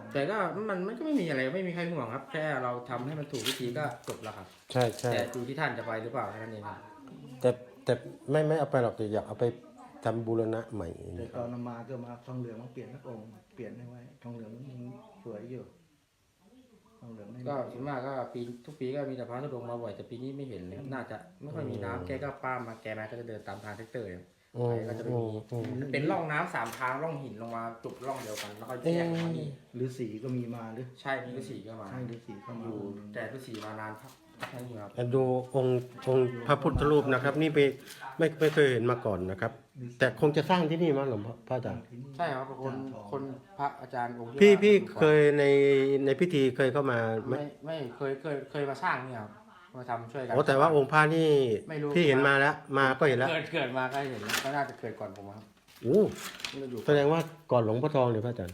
แต่ก็มันก็ไม่มีอะไรไม่มีใครห่วงครับแค่เราทำให้มันถูกวิธีก็จบแล้วครับใช่ใช่แต่ดูที่ท่านจะไปหรือเปล่าแค่นั้นเองครับแต่ไม่เอาไปหรอกแต่อยากเอาไปทำบูรณะใหม่แต่ตอนมาก็มาทองเหลืองมาเปลี่ยนสักองค์เปลี่ยนให้ไว้ทองเหลืองมันสวยอยู่ทองเหลืองไม่ก็ส่วนมากก็ปีทุกปีก็มีแต่พระธุดงค์มาบ่อยแต่ปีนี้ไม่เห็นเลยครับน่าจะไม่ค่อยมีน้ำแกก็ป้ามาแกมาก็จะเดินตามทางแท็กเตอร์ไปก็จะไม่มีเป็นร่องน้ำ3 ทางร่องหินลงมาจุดร่องเดียวกันแล้วก็แยกมานี่หรือสีก็มีมาหรือใช่มีฤาษีก็มาใช่หรือสีเข้ามาอยู่แต่ฤาษีมานานครับใช่ครับดูองค์พระพุทธรูปนะครับ นี่ไม่เคยเห็นมาก่อนนะครับ แต่คงจะสร้างที่นี่มั้งหลวงพ่อพระอาจารย์ใช่ครับคนพระอาจารย์องค์ที่พี่ว่าเคยในพิธีเคยเข้ามาไหมไม่เคยมาสร้างนี่ครับมาทำช่วยกันโอ้แต่ว่าองค์พระนี่ไม่รู้พี่เห็นมาแล้วมาก็เห็นแล้วเกิดมาก็เห็นแล้วก็น่าจะเกิดก่อนผมครับโอ้นี่เราอยู่แสดงว่าก่อนหลวงพ่อทองเลยพระอาจารย์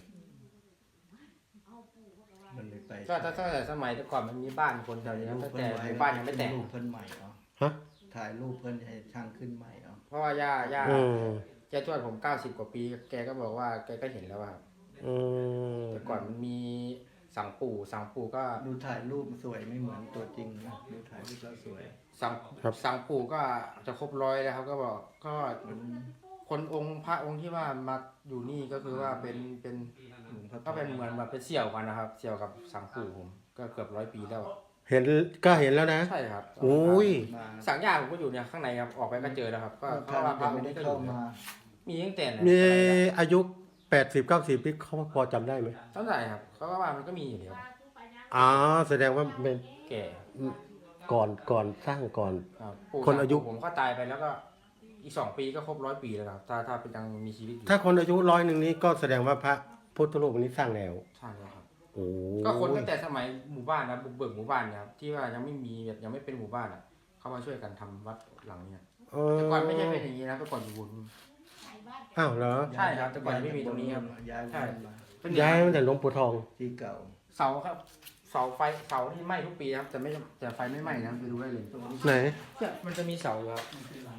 มันเลยไปก็ถ้าแต่สมัยแต่ก่อนมันมีบ้านคนแถวนี้ครับตั้งแต่หมู่บ้านยังไม่แตกรูปเพิ่นใหม่เหรอฮะถ่ายรูปเพิ่นให้ช่างขึ้นใหม่เหรอเพราะว่าย่าอืมแกทวดผม90 กว่าปีแกก็บอกว่าแกก็เห็นแล้วว่าครับอืมแต่ก่อนมันมีสังปู่ก็ดูถ่ายรูปสวยไม่เหมือนตัวจริงนะดูถ่ายรูปแล้วสวยสังปู่ก็จะครบ100แล้วครับก็บอกก็คนองค์พระองค์ที่ว่ามาอยู่นี่ก็คือว่าเป็นก็เป็นเหมือนแบบเป็นเสี่ยวกันนะครับเสี่ยวกับสังปู่ผมก็เกือบ100 ปีแล้วเห็นก็เห็นแล้วนะใช่ครับโอ้ยมาสังญาผมก็อยู่เนี่ยข้างในครับออกไปก็เจอแล้วครับก็เพท่าราะนว่าพระยังองไม่ค์ได้นี้ก็อเข้ายู่มามีตั้งแต่ไหนมีอายุ80-90ปีเขาพอจำได้ไหมตั้งแต่ครับเขาก็ว่ามันก็มีอยู่เดียวอ๋อแสดงว่าเป็นแก่ก่อนสร้างก่อนครับปู่คนอายุผมก็ตายไปแล้วก็อีก2 ปีก็ครบ100 ปีแล้วครับถ้าเป็นยังมีชีวิตอยู่ถ้าคนอายุ100นี้ก็แสดงว่าพระพุทธรูปนี้สร้างแล้วใช่แล้วครับโอ้ก็คนตั้งแต่สมัยหมู่บ้านนะบุกเบิกหมู่บ้านเนี่ยครับที่ว่ายังไม่มีแบบยังไม่เป็นหมู่บ้านอ่ะเขามาช่วยกันทำวัดหลังเนี่ยแต่ก่อนไม่ใช่เป็นอย่างนี้นะแต่ก่อนอยู่บนอ้าวเหรอใช่ครับแต่ก่อนไม่มีตรงนี้ครับย้ายใช่มาเป็นย้ายมาแต่หลวงปู่ทองที่เก่าเสาครับเสาไฟเสาที่ไหม้ทุกปีครับแต่ไฟไม่ไหม้นะไปดูได้เลยไหนเนี่ยมันจะมีเสาอยู่ครับ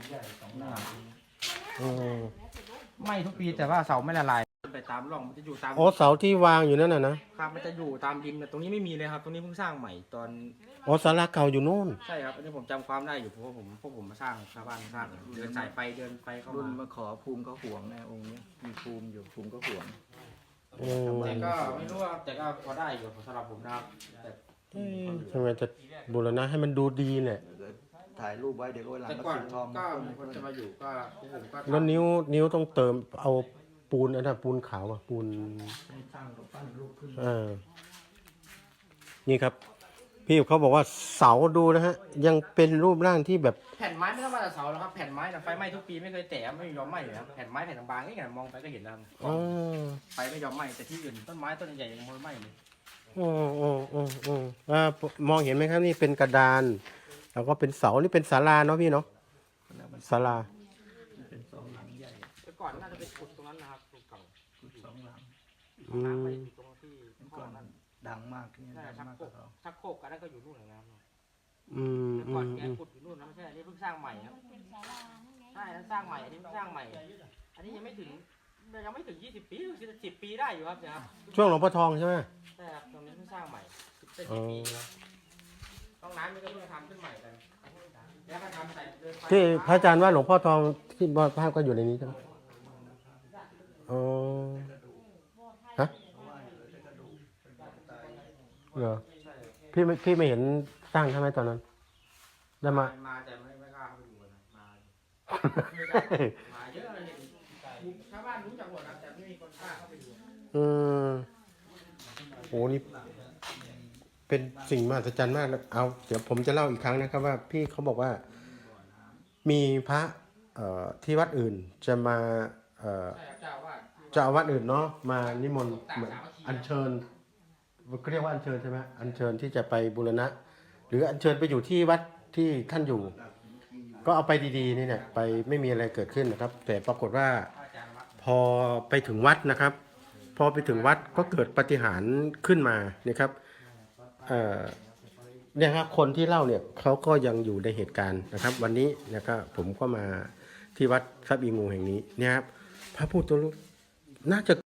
อ๋อไหม้ทุกปีแต่ว่าเสาไม่ละลายไปตามร่องมันจะอยู่ตามอ๋อเสาที่วางอยู่นั่นน่ะนะครับมันจะอยู่ตามดินแต่ตรงนี้ไม่มีเลยครับ ตรงนี้เพิ่งสร้างใหม่ตอนอ๋อศาลาเก่าอยู่นู่นใช่ครับอันนี้ผมจำความได้อยู่เพราะว่าพวกผมมาสร้างชาวบ้านสร้างเดินสายไฟเดินไฟเข้ารุ่นมามาขอภูมิเขาห่วงนะองค์เนี้ยมีภูมิอยู่ภูมิก็ห่วงอืมแต่ก็ไม่รู้ว่าแต่ก็พอได้อยู่สำหรับผมนะครับแต่ทำไมจะบูรณะให้มันดูดีเนี่ยถ่ายรูปไว้เดี๋ยวก็วันหลังแต่ก็ก่อนสีทองก็มามีคนจะมาอยู่ก็พวกผมก็แล้วนิ้วต้องเติมเอาปูนอันนั้นปูนขาวอะปูนให้สร้างกับปั้นรูปขึ้นนี่ครับ พี่เขาบอกว่าเสาดูนะฮะ ยังเป็นรูปร่างที่แบบแผ่นไม้ไม่ต้องมาแต่เสาแล้วครับแผ่นไม้นะไฟไหม้ทุกปีไม่เคยแตะไม่ยอมไหม้เลยครับแผ่นไม้แผ่นบางๆนี่ไงมองไปก็เห็นแล้วอ๋อไฟไม่ยอมไหม้แต่ที่อื่นต้นไม้ต้นใหญ่ยังไม่ไหม้เลยมองเห็นไหมครับนี่เป็นกระดาน แล้วก็เป็นเสานี่เป็นศาลาเนาะพี่เนาะศาลาเป็นสองหลังใหญ่แต่ก่อนน่าจะเป็นขุดตรงนั้นนะครับขุดเก่าสองหลังอืมน้ำไปอยู่ตรงที่เมื่อพ่ก่ออนนั่นดังมากเนี่ยใช่ดังชักมากโคกรว่าก เขาชักโครกกันนั่นก็อยู่นู่นเหมือนกันครับอืมแต่อืก่อนมแกอืมขุดอยู่นู่นนะไม่ใช่อันนี้เพิ่งสร้างใหม่ครับใช่แล้วสร้างใหม่อันนี้เพิ่งสร้างใหม่ อันนี้ยังไม่ถึง20 ปี10 ปีได้อยู่ครับเนี่ยครับช่วงหลวงพ่อทองใช่ไหมใช่ครับตรงนี้เพิ่งสร้างใหม่เป็นอ๋อ 10 ปีครับห้องน้ำนี่ก็เพิ่งทำขึ้นใหม่กันแล้วก็ทำใส่เดินไปที่พระอาจารย์ว่าหลวงพ่อทองที่ภาพก็อยู่ในนี้ใช่ไหมอ๋อฮะเหรอพี่ไม่เห็นสร้างใช่ไหมตอนนั้นได้มามาแต่ไม่กล้าเข้าไปดูนะมามาเยอะเลยชาวบ้านรู้จักหมดนะแต่ไม่มีคนกล้าเข้าไปดูอืมโอ้นี่เป็นสิ่งมหัศจรรย์มากนะเอาเดี๋ยวผมจะเล่าอีกครั้งนะครับว่าพี่เขาบอกว่ามีพระที่วัดอื่นจะมาใช่ครับเจ้าว่าเจ้าอาวัดอื่นเนาะมานิมนต์เหมือนอัญเชิญเขาเรียกว่าอัญเชิญใช่ไหมอัญเชิญที่จะไปบูรณะ หรืออัญเชิญไปอยู่ที่วัดที่ท่านอยู่ ก็เอาไปดีๆนี่เนี่ยไปไม่มีอะไรเกิดขึ้นนะครับ แต่ปรากฏว่าพอไปถึงวัดนะครับ พอไปถึงวัดก็เกิดปาฏิหาริย์ขึ้นมานะครับเนี่ยครับคนที่เล่าเนี่ยเขาก็ยังอยู่ในเหตุการณ์นะครับ วันนี้นะครับผมก็มาที่วัดทรัพย์อีงูแห่งนี้เนี่ยครับพระพุทธรูปน่าจะ